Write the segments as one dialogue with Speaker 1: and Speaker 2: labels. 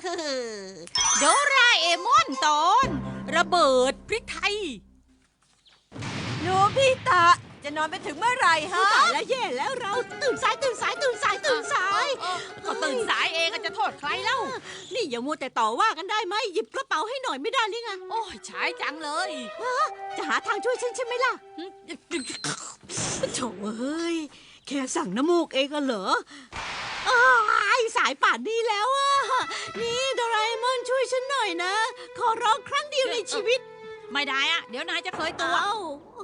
Speaker 1: โดราเอมอนตอนระเบิดพริกไทย
Speaker 2: โนบิตะจะนอนไปถึงเมื่อไหร่ฮะ
Speaker 3: ตายแล้วแย่แล้วเราตื่นสายตื่นสายตื่นสายตื่นสาย
Speaker 1: ก็ตื่นสายเองจะโทษใครเล่า
Speaker 3: นี่อย่ามัวแต่ต่อว่ากันได้ไหมหยิบกระเป๋าให้หน่อยไม่ได้หรือไง
Speaker 1: โอ้ยใช้จังเลย
Speaker 3: จะหาทางช่วยฉันใช่ไหมล่ะโถ่เอ้ยแค่สั่งน้ำมูกเองก็เหรออ้ายสายป่านนี้แล้วอะนี่โดราเอมอนช่วยฉันหน่อยนะ ขอร้องครั้งเดียวในชีวิต
Speaker 1: ไม่ได้อะเดี๋ยวนายจะเคยตัว
Speaker 3: เอ้า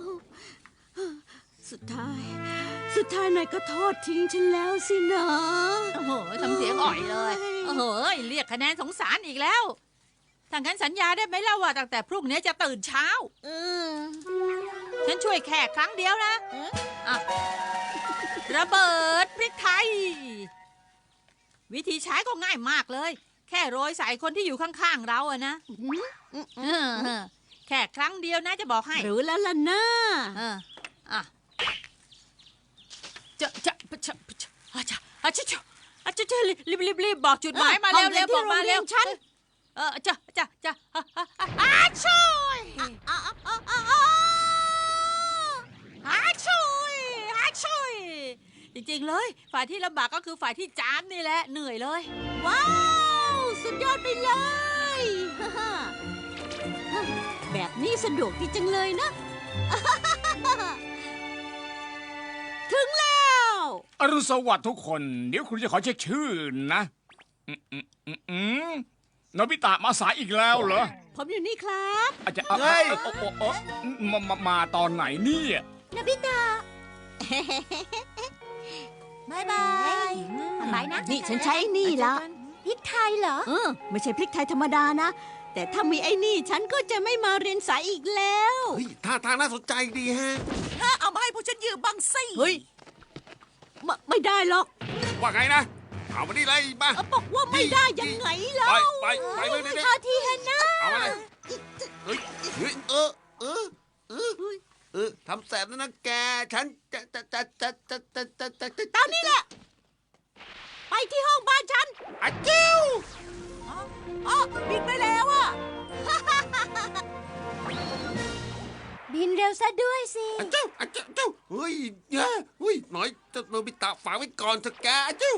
Speaker 3: สุดท้ายนายก็ทอดทิ้งฉันแล้วสินะ
Speaker 1: โอ้โหทำเสียงอ่อยเลย โอ้โหเรียกคะแนนสงสารอีกแล้วถ้างั้นสัญญาได้ไหมล่ะว่าตั้งแต่พรุ่งนี้จะตื่นเช้า ฉันช่วยแค่ครั้งเดียวนะอ่ะระเบิดพริกไทย วิธีใช้ก็ง่ายมากเลย แค่โรยใส่คนที่อยู่ข้างๆเราอะนะแค่ครั้งเดียวนะจะบอกให้
Speaker 3: รู้แล้วล่ะนะ
Speaker 1: อ่ะจะรีบบอกจุดหมายมาเร็วเร็วบอกมาเร็ว
Speaker 3: ฉัน
Speaker 1: ช่วยช่วยจริงๆเลยฝ่ายที่ลำบากก็คือฝ่ายที่จามนี่แหละเหนื่อยเลย
Speaker 3: ว้าวสุดยอดไปเลยแบบนี้สะดวกดีจังเลยนะ ถึงแล้ว
Speaker 4: อรุณสวัสดิ์ทุกคน เดี๋ยวคุณจะขอเช็คชื่อนะโนบิตะมาสายอีกแล้วเหรอ
Speaker 3: ผมอยู่นี่ครับ
Speaker 4: อาจจะมาตอนไหนเนี่ย
Speaker 3: นบิตะ
Speaker 2: บายบาย
Speaker 1: บายนะ
Speaker 3: นี่ฉันใช้นี่ละ
Speaker 2: พริกไทยเหรอ
Speaker 3: ไม่ใช่พริกไทยธรรมดานะ แต่ถ้ามีไอ้นี่ฉันก็จะไม่มาเรียนสายอีกแล้ว
Speaker 5: เฮ้ยท่าทางน่าสนใจดีฮะ
Speaker 2: เอามาให้พวกฉันยืมบ้างสิ
Speaker 3: เฮ้ยไม่ได้หรอก
Speaker 5: ว่าไงนะ เอามานี่เลยมา
Speaker 3: บอกว่าไม่ได้ยังไงเล่า
Speaker 5: ไปเลยเด็ก
Speaker 3: ท่าที่เห็นนะ
Speaker 5: ๆเอามาเลยเฮ้ยทำแสบนะแก ฉันจะ
Speaker 3: ตามนี้แหละ ไปที่ห้องบ้านฉัน
Speaker 5: อาจิ้ว
Speaker 3: บินไปแล้วอะ บินเร็วซะด้วยสิ
Speaker 5: อาจิ้วเฮ้ยแย่เฮ้ยหน่อยจะโนบิตะฝากไว้ก่อนเถอะแกอาจิ้ว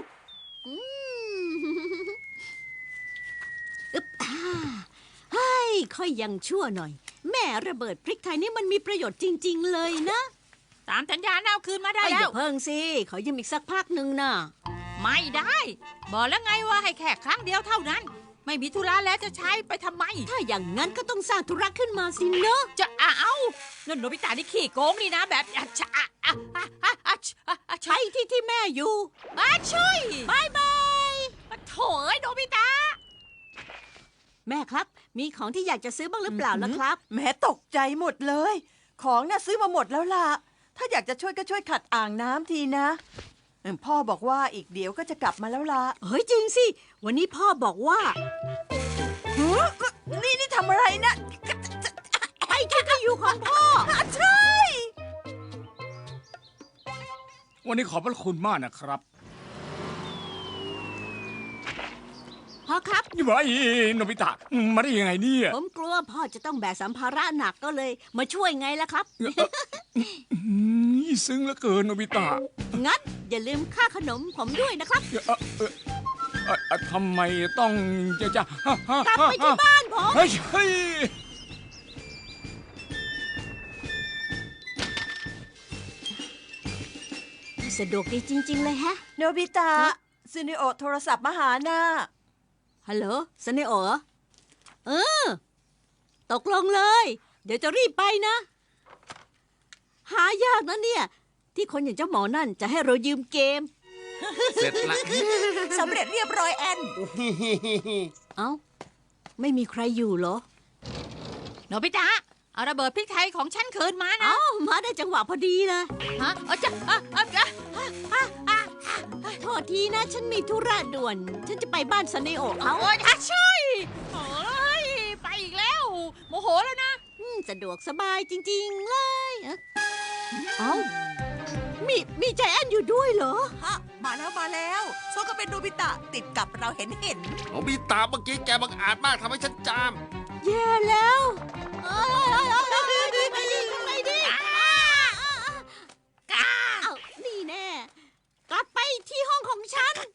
Speaker 3: เฮ้ยค่อยยังชั่วหน่อย แม่ระเบิดพริกไทยนี่มันมีประโยชน์จริง ๆ เลยนะ
Speaker 1: ตามสัญญาเอาคืนมาได้
Speaker 3: อย่า
Speaker 1: แล้ว
Speaker 3: เพิ่งสิ ขอยืมอีกสักพักหนึ่งนะ
Speaker 1: ไม่ได้ บอกแล้วไงว่าให้แค่ครั้งเดียวเท่านั้น ไม่มีธุระแล้วจะใช้ไปทำไม
Speaker 3: ถ้าอย่างนั้นก็ต้องสร้างธุระขึ้นมาสิเนอะ
Speaker 1: จะเอานั่นโนบิตะนี่ขี้โกงนี่นะแบบ
Speaker 3: ใช้ที่แม่อยู่
Speaker 1: ช่วย
Speaker 3: บายบาย
Speaker 1: โถ่เอ้ยโนบิตะ
Speaker 3: แม่ครับ มีของที่อยากจะซื้อบ้างหรือเปล่าล่ะครับ
Speaker 2: แม่ตกใจหมดเลย ของน่ะซื้อมาหมดแล้วล่ะ ถ้าอยากจะช่วยก็ช่วยขัดอ่างน้ำทีนะพ่อบอกว่าอีกเดี๋ยวก็จะกลับมาแล้วล่ะ
Speaker 3: เฮ้ยจริงสิ วันนี้พ่อบอกว่า
Speaker 2: นี่ทำอะไรนะ
Speaker 3: ไปที่ที่อยู่ของพ่อ
Speaker 2: ใช่
Speaker 4: วันนี้ขอบพระคุณมากนะครับ
Speaker 3: พ่อครับ
Speaker 4: นี่ไอ้โนบิตะมาได้ยังไงเนี่ย
Speaker 3: ผมกลัวพ่อจะต้องแบกสัมภาระหนักก็เลย มาช่วยไงล่ะครับ
Speaker 4: ซึ้งเหลือเกินโนบิตะ
Speaker 3: งั้นอย่าลืมค่าขนมผมด้วยนะครับ
Speaker 4: ทำไมต้องจะ
Speaker 3: กลับไปที่บ้านผม
Speaker 4: เฮ้ย
Speaker 3: สะดวกดีจริง ๆ เลยฮะ
Speaker 2: โนบิตะซูนิโอโทรศัพท์มาหาน่ะ
Speaker 3: ฮัลโหลสเนโอตกลงเลย เดี๋ยวจะรีบไปนะ หายากนะเนี่ย ที่คนอย่างเจ้าหมอนั่นจะให้เรายืมเกม
Speaker 5: เสร็จละ
Speaker 2: สำเร็จเรียบร้อยแอน
Speaker 3: เอ้า ไม่มีใครอยู่เหรอ
Speaker 1: โนบิตะเอาระเบิดพริกไทยของฉันคืนมานะ
Speaker 3: เอ้า มาได้จังหวะพอดีเลย
Speaker 1: ฮะ
Speaker 3: โทษทีนะ ฉันมีธุระด่วน ฉันจะไปบ้านสเนโอเขา
Speaker 1: โอ้ยช่วยโอ้ยไปอีกแล้วโมโหแล้วนะ
Speaker 3: สะดวกสบายจริง ๆ เลย เอ้า มีใจแอนอยู่ด้วยเหรอ
Speaker 2: ฮะมาแล้วโซก็เป็นโนบิตะติดกับเราเห็น
Speaker 5: โนบิตะเมื่อกี้แกบังอาจมากทำให้ฉันจาม
Speaker 3: แย่แล้วทำไมดีอ้าวนี่แน่กลับไปที่ห้องของฉัน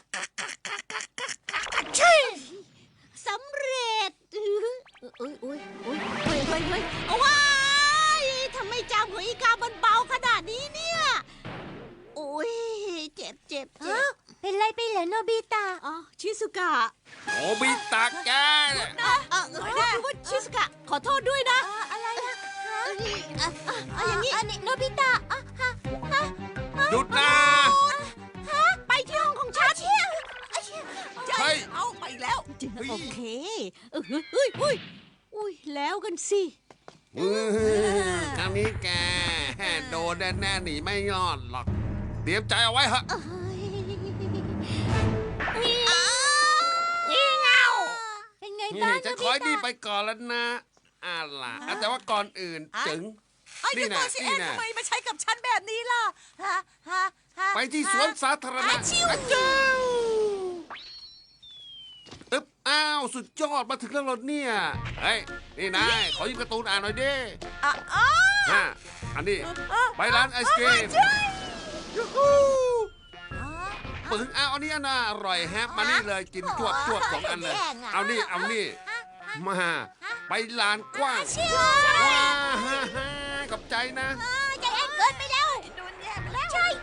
Speaker 3: สำเร็จโอ้ยเอาว้ายทำไมจามของอีกามันเบาขนาดนี้เนี่ยโอ้ยเจ็บเป็นไรไปเหรอโนบิตะอ๋อชิสุกะ
Speaker 5: โนบิตะแกเนี่ย
Speaker 3: คือว่าชิสกะขอโทษด้วยนะ อะไรอะอย่างนี้โนบิตะ
Speaker 5: หยุดนะ
Speaker 3: ไปที่ห้องของฉัน
Speaker 5: เฮ้ย
Speaker 2: เอาไปแล้ว
Speaker 3: โอเคอุ้ยแล้วกันสิ
Speaker 5: ครั้งนี้แกโดนแน่ๆหนีไม่รอดหรอก เตรียมใจเอาไว้เหอะ
Speaker 3: เป็นไง
Speaker 5: นี่
Speaker 3: บ้าง
Speaker 5: ฉันขอให้นี่ไปก่อนแล้วนะล่ะแต่ว่าก่อนอื่นจึง นี่นะนี่นะ
Speaker 2: ทำไมมาใช้กับฉันแบบนี้ล่ะ
Speaker 5: ไปที่สวนสาธารณะอาจารย์อ้าว สุดยอดมาถึงแล้วเหรอเนี่ย เฮ้ย นี่นายขอยืมการ์ตูนอ่านหน่อยดิอันนี้ ไปร้านไอศกรีมยูฮูปึงอันนี้น่าอร่อยแฮะ มานี่เลยกินจวบสองอันเลย เอานี่ มา ไปลานกว้างว้าขอบใจนะ
Speaker 3: ใจแอนเกินไปแล้ว
Speaker 2: โดนแย่ไปแล้ว
Speaker 3: ใช่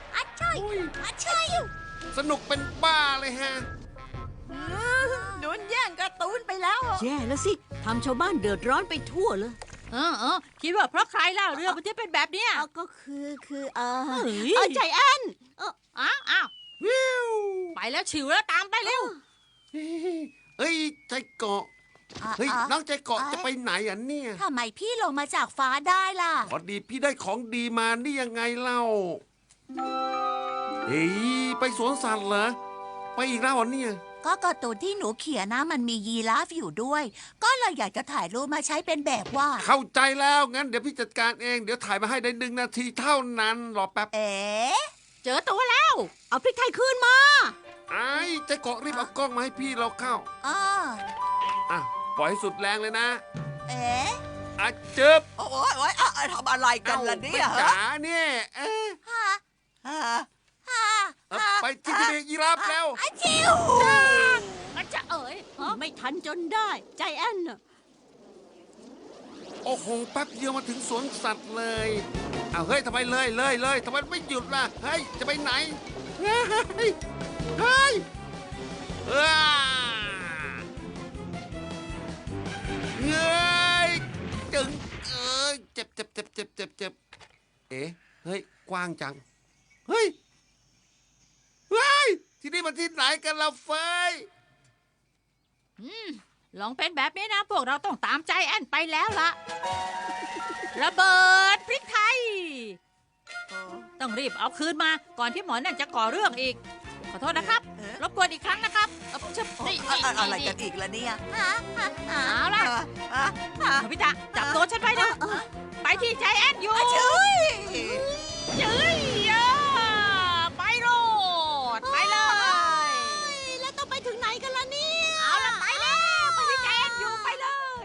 Speaker 5: สนุกเป็นบ้าเลยฮะ
Speaker 2: โดนแย่งการ์ตูนไปแล้ว
Speaker 3: แย่แล้วสิทำชาวบ้านเดือดร้อนไปทั่วเลย
Speaker 1: คิดว่าเพราะใครล่ะเรื่องมันจะเป็นแบบเนี้ย
Speaker 3: ก็คือ
Speaker 1: เฮ้ย
Speaker 3: ใจแอน
Speaker 1: อ้าวไปแล้วฉิวแล้วตามไปเร็ว
Speaker 5: เฮ้ย ใจเกาะ เฮ้ย น้องใจเกาะจะไปไหนอ่ะเนี่ย
Speaker 2: ทำไมพี่ลงมาจากฟ้าได้ล่ะ
Speaker 5: พอดีพี่ได้ของดีมานี่ยังไงเล่า เฮ้ย ไปสวนสัตว์เหรอ ไปอีกแล้วเหรอเนี่ย
Speaker 2: ก็การ์ตูนที่หนูเขียนนะมันมียีราฟอยู่ด้วย ก็เลยอยากจะถ่ายรูปมาใช้เป็นแบบว่าด
Speaker 5: เข้าใจแล้ว งั้นเดี๋ยวพี่จัดการเอง เดี๋ยวถ่ายมาให้ได้1 นาทีเท่านั้น รอแป๊บ
Speaker 1: เจอตัวแล้ว
Speaker 3: เอาพริกไทยคืนมา
Speaker 5: ไอ้ใจเกาะรีบเอากล้องมาให้พี่เราเข้า อ่ะ ปล่อยให้สุดแรงเลยนะอ่ะเจ็บ
Speaker 2: โอ้ยทำอะไรกันล่ะเนี่ย
Speaker 5: ไม่จ๋าเนี่ยไปที่ทะเลยีราฟแล้ว
Speaker 1: มันจะเอ๋ย
Speaker 3: ไม่ทันจนได้ใจแอนน่ะ
Speaker 5: โอ้โห แป๊บเดียวมาถึงสวนสัตว์เลยเอาเฮ้ยทำไมเลยทำไมไม่หยุดล่ะ เฮ้ย จะไปไหน เฮ้ยเฮ้ยเฮ้ยจึงเจ็บเอ๊ะเฮ้ย กว้างจัง เฮ้ยที่นี่มันที่ไหนกันล่ะเฟย
Speaker 1: ลองเป็นแบบนี้นะ พวกเราต้องตามใจแอนไปแล้วล่ะ ระเบิดพริกไทย ต้องรีบเอาคืนมาก่อนที่หมอนั่นจะก่อเรื่องอีก ขอโทษนะครับ รบกวนอีกครั้งนะครับนี่
Speaker 2: อะไรกันอีกล่ะเนี่ย
Speaker 1: เอาล่ะพี่ตาจับตัวฉันไว้นะไปที่ใจแอนอยู่เฮ้ยไปโรดไปเลย
Speaker 3: แล้วต้องไปถึงไหนกันล่ะเนี่ย
Speaker 1: เอาล่ะไปแล้วไปที่ใจแอนอยู่ไปเลย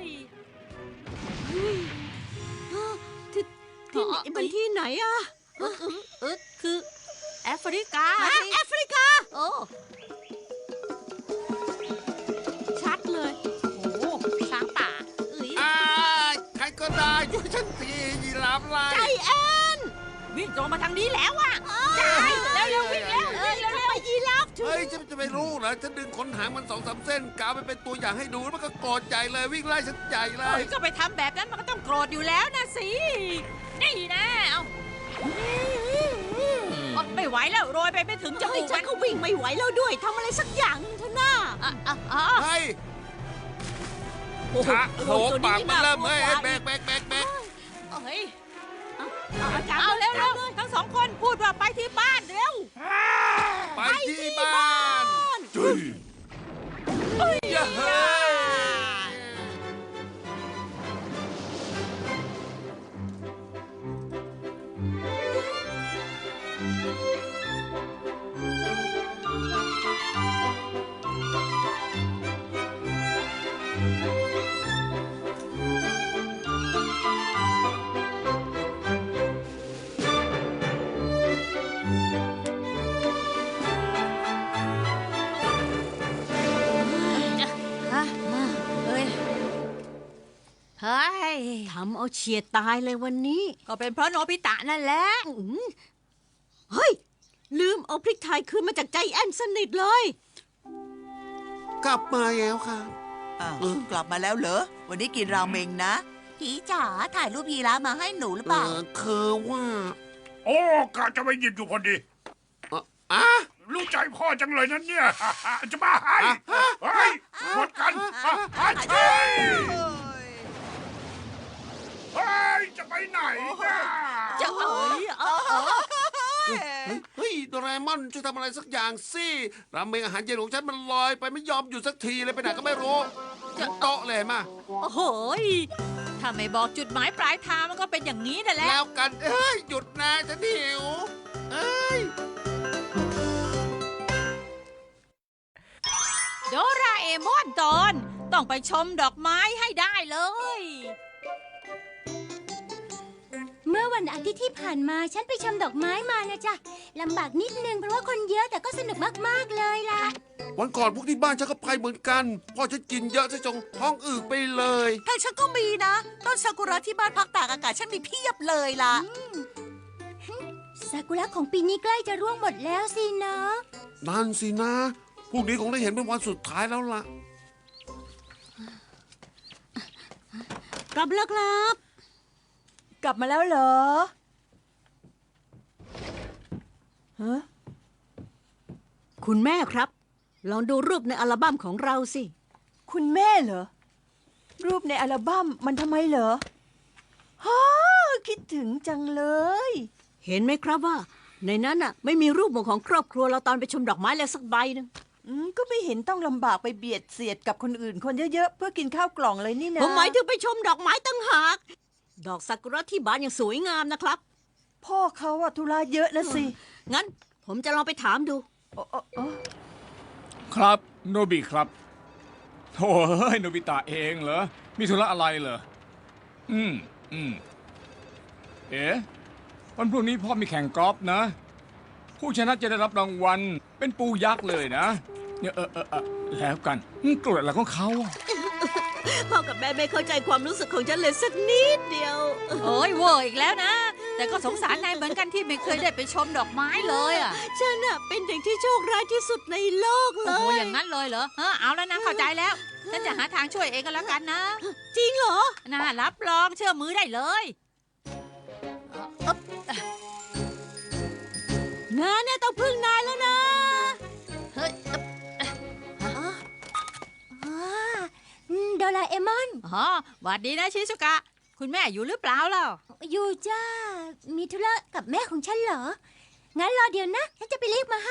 Speaker 3: ที่ไหนมันที่ไหนอะ
Speaker 1: คือแอฟริกา
Speaker 3: แอฟริกา
Speaker 1: โอ้
Speaker 3: ชัดเลย
Speaker 1: โหช้างป่า
Speaker 5: ใครก็ได้ช่วยฉันทียีราฟไล่
Speaker 3: ใจแอน
Speaker 1: วิ่งตรงมาทางนี้แล้วอ่ะใช่เร็ววิ่งแล้วเร็ว
Speaker 3: ไปยีราฟถึง
Speaker 5: เฮ้ยจะไม่รู้เหรอฉันดึงขนหางมัน2-3 เส้นกาวไปเป็นตัวอย่างให้ดูแล้วมันก็โกรธใหญ่เลยวิ่งไล่ฉันใหญ่เล
Speaker 1: เฮ้
Speaker 5: ย
Speaker 1: ยก็ไปทำแบบนั้นมันก็ต้องโกรธอยู่แล้วนะสินี่นะเอาไม่ไหวแล้วโรยไปไม่ถึงจมูก
Speaker 3: ฉั
Speaker 1: มัน น
Speaker 3: ก็วิ่งไม่ไหวแล้วด้วยทำอะไรสักอย่างนึงเถอะน้า
Speaker 5: เฮ้ย
Speaker 3: โอ้โห
Speaker 5: ขาโหปากมันเริ่มเฮ้ยแบก
Speaker 1: เฮ้ยเอาเร็วทั้งสองคนพูดว่าไปที่บ้านเร็ว
Speaker 5: ไปที่บ้านจุ๊ยเฮ้ย
Speaker 1: ฮะเฮ้ยเฮ้ย
Speaker 3: ทำเอาเฉียดตายเลยวันนี้
Speaker 1: ก็เป็นเพราะโนบิตะนั่นแหละ
Speaker 3: เฮ้ย ลืมเอาพริกไทยคืนมาจากใจแอนสนิทเลย
Speaker 5: กลับมาแล้วครับ
Speaker 6: อ้าวกลับมาแล้วเหรอ วันนี้กินราเมงนะผีจ๋าถ่ายรูปยีราฟมาให้หนูหรือเปล่า
Speaker 5: คือว่า
Speaker 4: โอ้กะจะไปหยิบอยู่พอดี
Speaker 5: อ่ะ
Speaker 4: รู้ใจพ่อจังเลยนั่นเนี่ย จะมาให้เฮ้ยหมดกันเฮ้ยเฮ้ย จะไปไหนเนี่ย
Speaker 1: จะเอ๋ย
Speaker 5: เฮ้ยโดราเอมอนช่วยทำอะไรสักอย่างสิราเมงอาหารเย็นของฉันมันลอยไปไม่ยอมหยุดสักทีเลยไปไหนก็ไม่รู้จะโต๊ะเลยมา
Speaker 1: โอ้โหยถ้าไม่บอกจุดหมายปลายทางมันก็เป็นอย่างนี้นั่นแหละ
Speaker 5: แล้วกันเอ้ยหยุดนะฉันหิวเอ้ย
Speaker 1: โดราเอมอนตอนต้องไปชมดอกไม้ให้ได้เลย
Speaker 7: เมื่อวันอาทิตย์ที่ผ่านมาฉันไปชมดอกไม้มานะจ๊ะลำบากนิดนึงเพราะว่าคนเยอะแต่ก็สนุกมากๆเลยล่ะ
Speaker 5: วันก่อนพวกที่บ้านฉันก็ไปเหมือนกันพ่อฉันกินเยอะซะจนท้องอืดไปเลย
Speaker 6: ทางฉันก็มีนะ ต้นซากุระที่บ้านพักตากอากาศฉันมีเพียบเลยล่ะ
Speaker 7: ซากุระของปีนี้ใกล้จะร่วงหมดแล้วสินะ
Speaker 5: นั่นสินะพรุ่งนี้คงได้เห็นเป็นวันสุดท้ายแล้วล่ะ
Speaker 3: กลับแล้วครับ
Speaker 2: กลับมาแล้วเหรอฮะ
Speaker 3: คุณแม่ครับ ลองดูรูปในอัลบั้มของเราสิ
Speaker 2: คุณแม่เหรอ รูปในอัลบั้มมันทำไมเหรอฮ่าคิดถึงจังเลย
Speaker 3: เห็นไหมครับว่า ในนั้นน่ะไม่มีรูปหมู่ของครอบครัวเราตอนไปชมดอกไม้เลยสักใบหนึง
Speaker 2: ก็ไม่เห็นต้องลำบากไปเบียดเสียดกับคนอื่นคนเยอะๆเพื่อกินข้าวกล่องเลยนี่นะ
Speaker 3: ผมหมายถึงไปชมดอกไม้ตั้งหาก ดอกซากุระที่บ้านยังสวยงามนะครับ
Speaker 2: พ่อเขาอะธุระเยอะนะสิ
Speaker 3: งั้นผมจะลองไปถามดู
Speaker 2: โอ้โอ้โอ้
Speaker 4: ครับโนบิครับโถ่เฮ้ยโนบิตะเองเหรอมีธุระอะไรเหรอเอ๊ะวันพรุ่งนี้พ่อมีแข่งกอล์ฟนะ ผู้ชนะจะได้รับรางวัลเป็นปูยักษ์เลยนะเนี่ยแล้วกันโกรธอะไรของเขาอะ
Speaker 3: พ่อกับแม่ไม่เข้าใจความรู้สึกของฉันเลยสักนิดเดียว
Speaker 1: โอ้ยเวอร์อีกแล้วนะ แต่ก็สงสารนายเหมือนกันที่ไม่เคยได้ไปชมดอกไม้เลยอ่ะ
Speaker 3: ฉันน่ะเป็นเด็กที่โชคร้ายที่สุดในโลกเล
Speaker 1: โอ้โห
Speaker 3: ย
Speaker 1: อย่างนั้นเลยเหรอเอาแล้วนะเข้าใจแล้ว ฉันจะหาทางช่วยเองก็แล้วกันนะ
Speaker 3: จริงเหรอ
Speaker 1: น่ารับรองเชื่อมือได้เลย
Speaker 3: งานเนี่ยต้องพึ่งนายแล้วนะ
Speaker 1: เฮ้ย
Speaker 7: โดราเอมอน
Speaker 1: อ๋อหวัดดีนะชิซุกะ คุณแม่อยู่หรือเปล่าเล่า
Speaker 7: อยู่จ้า มีธุระกับแม่ของฉันเหรอ งั้นรอเดี๋ยวนะ ฉันจะไปเรียกมาให้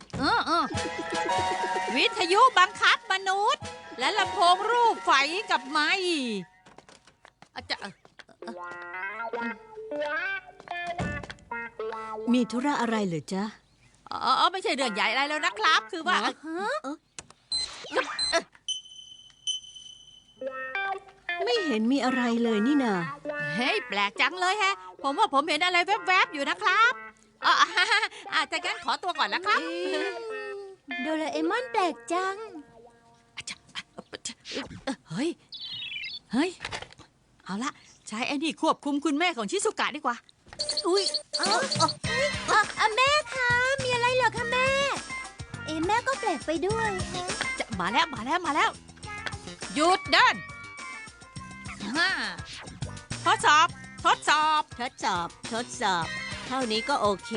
Speaker 1: วิทยุบังคับมนุษย์ และลำโพงรูปไฟกับไม้อาจจะ
Speaker 3: มีธุระอะไรเหรอจ๊ะ
Speaker 1: ไม่ใช่เรื่องใหญ่อะไรแล้วนะครับ คือว่า
Speaker 3: ไม่เห็นมีอะไรเลยนี่นา
Speaker 1: เฮ้ยแปลกจังเลยแฮะ ผมว่าผมเห็นอะไรแวบๆอยู่นะครับแต่งั้นขอตัวก่อนแล้วครับ
Speaker 7: โดราเอมอนแปลกจัง
Speaker 1: เฮ้ย เอาละใช้ไอ้นี่ควบคุมคุณแม่ของชิสุกะดีกว่า
Speaker 7: อุ้ยแม่คะ มีอะไรเหรอคะแม่ แม่ก็แปลกไปด้วยฮะ
Speaker 1: จะมาแล้วหยุดเดินทดสอบ
Speaker 3: ทดสอบ เท่านี้ก็โอเค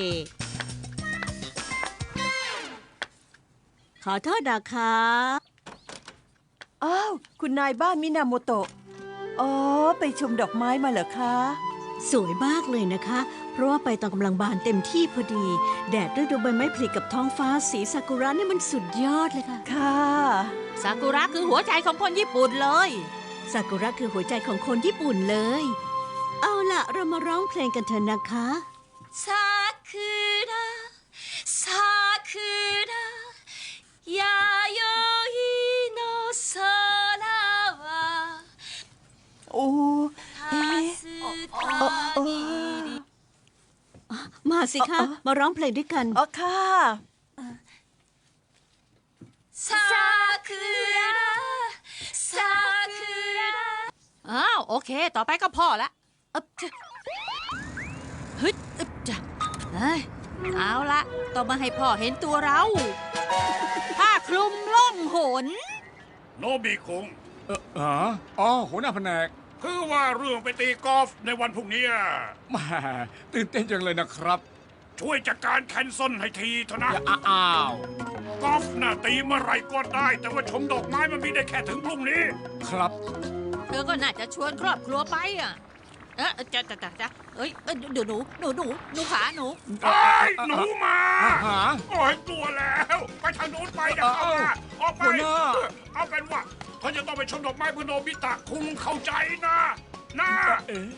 Speaker 3: ขอโทษนะคะ
Speaker 2: อ้าว คุณนายบ้านมินาโมโตะ อ๋อ ไปชมดอกไม้มาเหรอคะ
Speaker 3: สวยมากเลยนะคะ เพราะว่าไปตอนกำลังบานเต็มที่พอดี แดดฤดูใบไม้ผลิกับท้องฟ้าสีซากุระนี่มันสุดยอดเลยค่ะ
Speaker 2: ค่ะ
Speaker 1: ซากุระคือหัวใจของคนญี่ปุ่นเลย
Speaker 3: ซากุระคือหัวใจของคนญี่ปุ่นเลย เอาล่ะ เรามาร้องเพลงกันเถอะนะคะ
Speaker 7: ซากุระซากุระยาโยอิโนโซระวะ
Speaker 2: โอ้เอ๊ะโอ้
Speaker 3: มาสิคะ มาร้องเพลงด้วยกัน
Speaker 2: อ๋อค่ะ
Speaker 1: อ้าวโอเค ต่อไปก็พ่อละฮึดอึบจ้ะเฮ้ยเอาละต้องมาให้พ่อเห็นตัวเรา ผ้าคลุมล่องหน
Speaker 8: โนบิคุง
Speaker 4: อ๋อหัวหน้าแผนก
Speaker 8: คือว่าเรื่องไปตีกอล์ฟในวันพรุ่งนี้
Speaker 4: แหมาตื่นเต้นจังเลยนะครับ
Speaker 8: ช่วยจัดการแคนเซิลให้ทีเถอะนะ
Speaker 4: อ้าว
Speaker 8: กอล์ฟน่ะตีเมื่อไหรก็ได้ แต่ว่าชมดอกไม้มันมีได้แค่ถึงพรุ่งนี้
Speaker 4: ครับ
Speaker 1: เธอก็น่าจะชวนครอบครัวไปอ่ะจะเอ้ยเดี๋ยวหนูขาหนู
Speaker 8: ไอ้ยหนูมา
Speaker 4: หา
Speaker 8: โอ้ยกลัวแล้ว ไปทางโน้นไปอย่าเข้ามาออกไป
Speaker 4: หัวหน้า
Speaker 8: เอาเป็นว่าเขาจะต้องไปชมดอกไม้เพื่อโนบิตะคุงเข้าใจนะนะ
Speaker 4: เอ๊ะ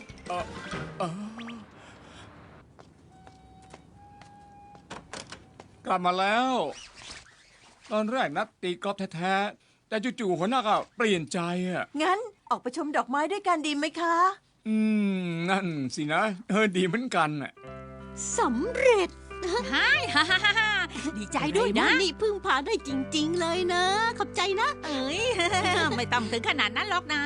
Speaker 4: กลับมาแล้ว ตอนแรกนัดตีกอล์ฟแท้ๆ แต่จู่ๆหัวหน้าก็เปลี่ยนใจอ่ะ
Speaker 2: งั้นออกไปชมดอกไม้ด้วยกันดีไหมคะ
Speaker 4: นั่นสินะ ดีเหมือนกันอ่ะ
Speaker 3: สำเร็จ
Speaker 1: ฮ่าดีใจด้วยนะ
Speaker 3: นี่พึ่งพาได้จริง ๆ เลยนะ ขอบใจนะ
Speaker 1: เอ้ย ไม่ต้องถึงขนาดนั้นหรอกนะ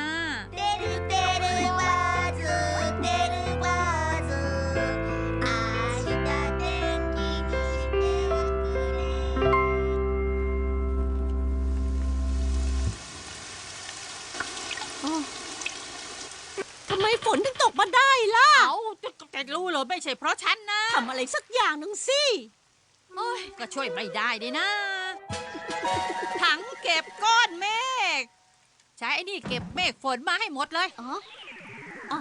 Speaker 3: ทำไมฝนถึงตกมาได้ล่ะ
Speaker 1: เอาจะรู้เหรอไม่ใช่เพราะฉันนะ
Speaker 3: ทำอะไรสักอย่างหนึ่งสิ
Speaker 1: โอ้ยก็ช่วยไม่ได้ดินะ ถังเก็บก้อนเมฆ ใช้ไอ้นี่เก็บเมฆฝนมาให้หมดเลย
Speaker 3: อ๋ออ๋อ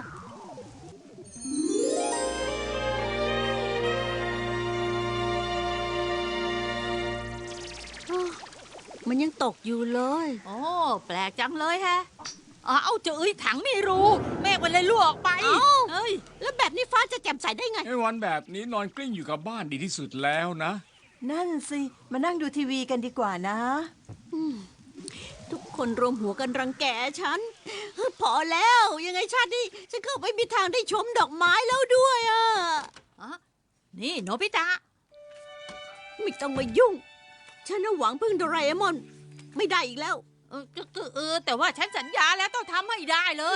Speaker 3: มันยังตกอยู่เลย
Speaker 1: โอ้แปลกจังเลยแฮะเอาเจอถังไม่รู้ เมฆมันเลยรั่วออกไป
Speaker 3: เอ้า
Speaker 1: เอ้ย
Speaker 3: แล้วแบบนี้ฟ้าจะแจ่มใสได้ไง
Speaker 4: ไอ้วันแบบนี้นอนกลิ้งอยู่กับบ้านดีที่สุดแล้วนะ
Speaker 2: นั่นสิ มานั่งดูทีวีกันดีกว่านะ
Speaker 3: ทุกคนรวมหัวกันรังแกฉัน พอแล้วยังไงชาตินี้ฉันก็ไม่มีทางได้ชมดอกไม้แล้วด้วยอ่ะ
Speaker 1: นี่โนบิตะ
Speaker 3: ไม่ต้องมายุ่ง ฉันน่ะหวังพึ่งโดราเอมอน ไม่ได้อีกแล้ว
Speaker 1: แต่ว่าฉันสัญญาแล้วต้องทำให้ได้เลย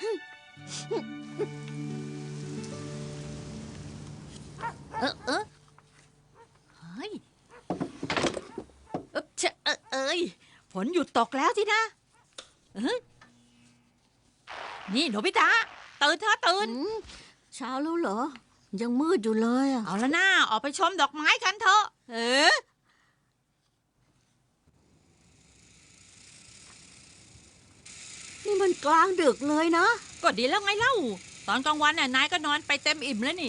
Speaker 1: เฮ้ยเอ้ยฝนหยุดตกแล้วสินะนี่โนบิตะตื่นเถอะตื่น
Speaker 3: เช้าแล้วเหรอ ยังมืดอยู่เลยอ่ะ
Speaker 1: เอาละนะออกไปชมดอกไม้กันเถอะ
Speaker 3: เอ๊ะนี่มันกลางดึกเลยนะ
Speaker 1: ก็ดีแล้วไงเล่า ตอนกลางวันน่ะนายก็นอนไปเต็มอิ่มแล้วนี่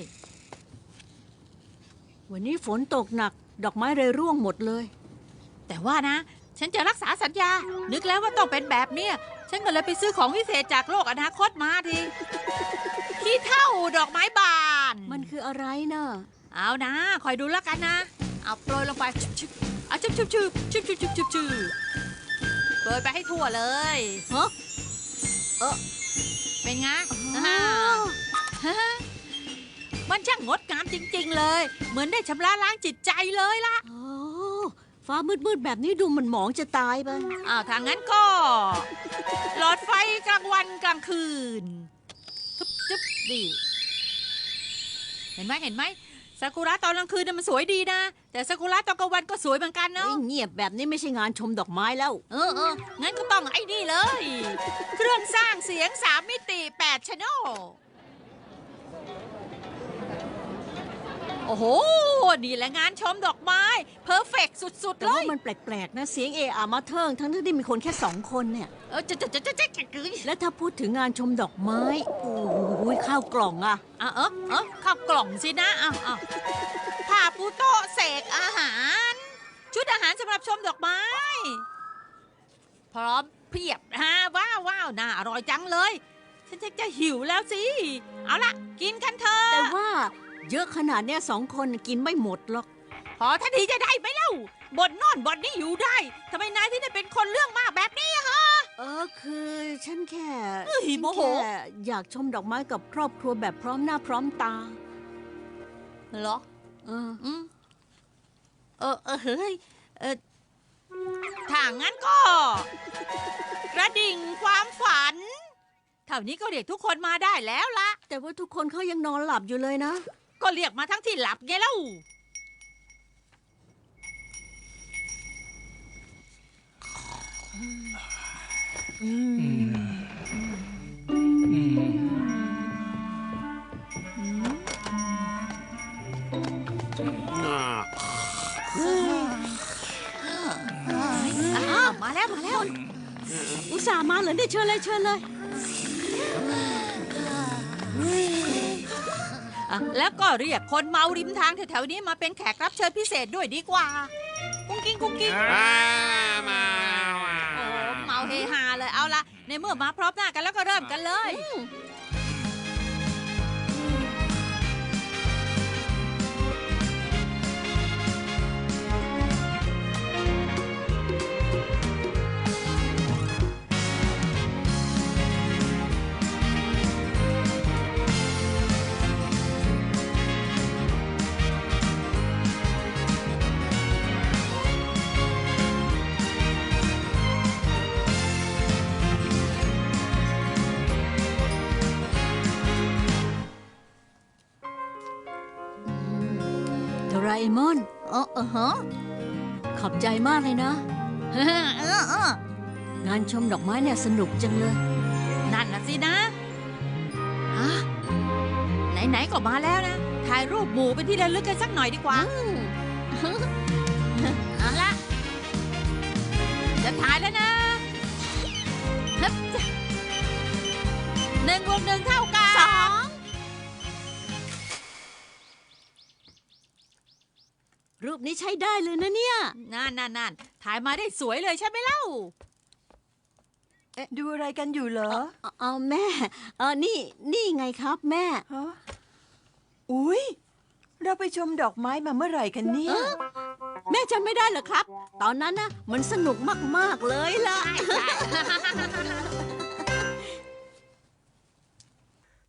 Speaker 3: วันนี้ฝนตกหนัก ดอกไม้เลยร่วงหมดเลย
Speaker 1: แต่ว่านะ ฉันจะรักษาสัญญา นึกแล้วว่าต้องเป็นแบบเนี้ยฉันก็เลยไปซื้อของพิเศษจากโลกอนาคตมาทีขี้เท่าดอกไม้บาน
Speaker 3: มันคืออะไรนะ
Speaker 1: เอานะคอยดูแล้วกันนะ เอาโปรยลงไปชุบเอาชุบโปรยไปให้ทั่วเลย
Speaker 3: ฮะ
Speaker 1: เป็นไง
Speaker 3: อ้าว
Speaker 1: มันช่างงดงามจริง ๆ เลย เหมือนได้ชำระล้างจิตใจเลยล่ะ
Speaker 3: โอ้ฟ้ามืดๆแบบนี้ดูมันหมองจะตายไป
Speaker 1: ถ้างั้นก็ หลอดไฟกลางวันกลางคืนจุ๊บดิเห็นไหมซากุระตอนกลางคืนน่ะมันสวยดีนะ แต่ซากุระตอนกลางวันก็สวยเหมือนกันเนาะ
Speaker 3: เงียบแบบนี้ไม่ใช่งานชมดอกไม้แล้ว
Speaker 1: งั้นก็ต้องไอ้นี่เลย เครื่องสร้างเสียง3 มิติ8 channel โอ้โห นี่แหละงานชมดอกไม้เพอร์เฟกสุด ๆ
Speaker 3: แต่
Speaker 1: เล
Speaker 3: ว่าย มันแปลกๆนะเสียงเออามาเทิงทั้งที่มีคนแค่2 คนเนี่ย
Speaker 1: จะ
Speaker 3: และถ้าพูดถึงงานชมดอกไม้ โอ้ยข้าวกล่องอะ
Speaker 1: ข้าวกล่องสินะผ้าปูโต๊ะเสกอาหาร ชุดอาหารสำหรับชมดอกไม้ พร้อมเพียบว้าวน่าอร่อยจังเลย ฉันจะหิวแล้วสิ เอาล่ะ กินกันเถอะ
Speaker 3: แต่ว่าเยอะขนาดเนี้ย2 คนกินไม่หมดหรอก
Speaker 1: พอทันทีจะได้ไหมเล่าบ่นโน่นบ่นนี่อยู่ได้ทำไมนายที่ได้เป็นคนเรื่องมากแบบนี้อะฮะ
Speaker 3: คือฉันแค่
Speaker 1: เฮ้ย
Speaker 3: ฉัน
Speaker 1: โมโห
Speaker 3: แค่อยากชมดอกไม้กับครอบครัวแบบพร้อมหน้าพร้อมตา
Speaker 1: เหรอ
Speaker 3: เออ
Speaker 1: อืมเฮ้ยถ้างั้นก็ กระดิ่งความฝัน เท่านี้ก็เรียกทุกคนมาได้แล้วละ
Speaker 3: แต่ว่าทุกคนเขายังนอนหลับอยู่เลยนะ
Speaker 1: ก็เรียกมาทั้งที่หลับไงเล่า
Speaker 5: อ่า
Speaker 1: มาแล้วมาแล้ว
Speaker 3: อุตส่าห์มาเหรอเนี่ยเชิญเลยเชิญเลย
Speaker 1: แล้วก็เรียกคนเมาริมทางแถวๆนี้มาเป็นแขกรับเชิญพิเศษด้วยดีกว่า กุ้งกิ้งกุ้งกิ้ง
Speaker 5: มา
Speaker 1: โอ้เมาเฮฮาเลยเอาละในเมื่อมาพร้อมหน้ากันแล้วก็เริ่มกันเลย
Speaker 3: โดราเอมอน
Speaker 1: ฮะ
Speaker 3: ขอบใจมากเลยนะ งานชมดอกไม้เนี่ยสนุกจังเลย
Speaker 1: นั่นน่ะสินะฮะไหนๆก็มาแล้วนะ ถ่ายรูปหมู่เป็นที่ระลึกกันสักหน่อยดีกว่าเอาละจะถ่ายแล้วนะฮึบจ้ะ1+1 เท่ากับ
Speaker 3: รูปนี้ใช้ได้เลยนะเนี่ย
Speaker 1: นั่นถ่ายมาได้สวยเลยใช่ไหมเล่า
Speaker 2: ดูอะไรกันอยู่เหรอ
Speaker 3: เอาแม่ นี่ไงครับแม่
Speaker 2: ฮะอุ๊ย เราไปชมดอกไม้มาเมื่อไหร่กันเนี่ย
Speaker 3: แม่จำไม่ได้เหรอครับ ตอนนั้นนะมันสนุกมากๆเลยล่ะ